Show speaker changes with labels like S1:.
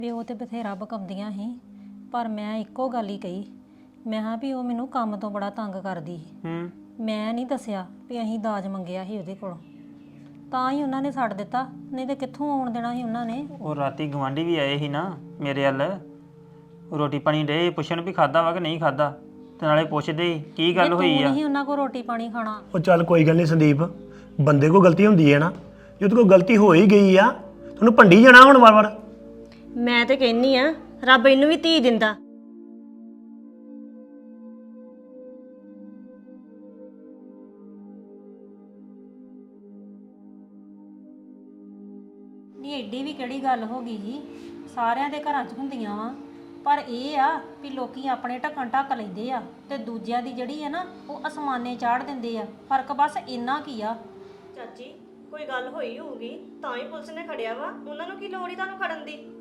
S1: ਵੀ ਉਹ ਤੇ ਬਥੇਰਾ ਬਕਾਉਂਦੀਆਂ ਸੀ ਪਰ ਮੈਂ ਇੱਕੋ ਗੱਲ ਹੀ ਕਹੀ। ਮੈਂ ਕਿਹਾ ਵੀ ਉਹ ਮੈਨੂੰ ਕੰਮ ਤੋਂ ਬੜਾ ਤੰਗ ਕਰਦੀ ਸੀ। ਮੈਂ ਨਹੀਂ ਦੱਸਿਆ ਵੀ ਅਸੀਂ ਦਾਜ ਮੰਗਿਆ ਸੀ ਉਹਦੇ ਕੋਲੋਂ, ਤਾਂ ਹੀ ਉਹਨਾਂ ਨੇ ਛੱਡ ਦਿੱਤਾ, ਨਹੀਂ ਤੇ ਕਿੱਥੋਂ ਆਉਣ ਦੇਣਾ ਸੀ ਉਹਨਾਂ ਨੇ।
S2: ਉਹ ਰਾਤੀ ਗਵਾਂਢੀ ਵੀ ਆਏ ਸੀ ਨਾ ਮੇਰੇ ਵੱਲ, ਰੋਟੀ ਪਾਣੀ ਡੇ ਪੁੱਛਣ ਵੀ ਖਾਦਾ ਵਾ ਕਿ ਨਹੀਂ ਖਾਦਾ, ਤੇ ਨਾਲੇ ਪੁੱਛਦੇ ਸੀ ਕੀ ਗੱਲ ਹੋਈ ਆ।
S1: ਤੂੰ ਨਹੀਂ ਉਹਨਾਂ ਕੋਲ ਰੋਟੀ ਪਾਣੀ ਖਾਣਾ।
S3: ਉਹ ਚੱਲ ਕੋਈ ਗੱਲ ਨਹੀਂ ਸੰਦੀਪ, ਬੰਦੇ ਕੋਲ ਗਲਤੀ ਹੁੰਦੀ ਹੈ ਨਾ, ਜੇ ਉਹਦੇ ਕੋਲ ਗਲਤੀ ਹੋ ਹੀ ਗਈ ਆ ਤੁਹਾਨੂੰ ਭੰਡੀ ਜਾਣਾ ਹੁਣ ਵਾਰ-ਵਾਰ।
S4: ਮੈਂ ਤੇ ਕਹਿੰਨੀ ਆ ਰੱਬ ਇਹਨੂੰ ਵੀ ਧੀ ਦਿੰਦਾ।
S1: ਨਹੀਂ ਐਡੀ ਵੀ ਕਿਹੜੀ ਗੱਲ ਹੋ ਗਈ ਜੀ, ਸਾਰਿਆਂ ਦੇ ਘਰਾਂ 'ਚ ਹੁੰਦੀਆਂ ਵਾ, ਪਰ ਇਹ ਆ ਵੀ ਲੋਕੀ ਆਪਣੇ ਢੱਕਣ ਢੱਕ ਲੈਂਦੇ ਆ ਤੇ ਦੂਜਿਆਂ ਦੀ ਜਿਹੜੀ ਹੈ ਨਾ ਉਹ ਅਸਮਾਨੇ ਚਾੜ ਦਿੰਦੇ ਆ। ਫਰਕ ਬਸ ਇੰਨਾ ਕੀ ਆ।
S4: ਚਾਚੀ ਕੋਈ ਗੱਲ ਹੋਈ ਹੋਊਗੀ ਤਾਂ ਹੀ ਪੁਲਿਸ ਨੇ ਖੜਿਆ ਵਾ, ਉਹਨਾਂ ਨੂੰ ਕੀ ਲੋੜ ਹੀ ਤੁਹਾਨੂੰ ਖੜਨ ਦੀ।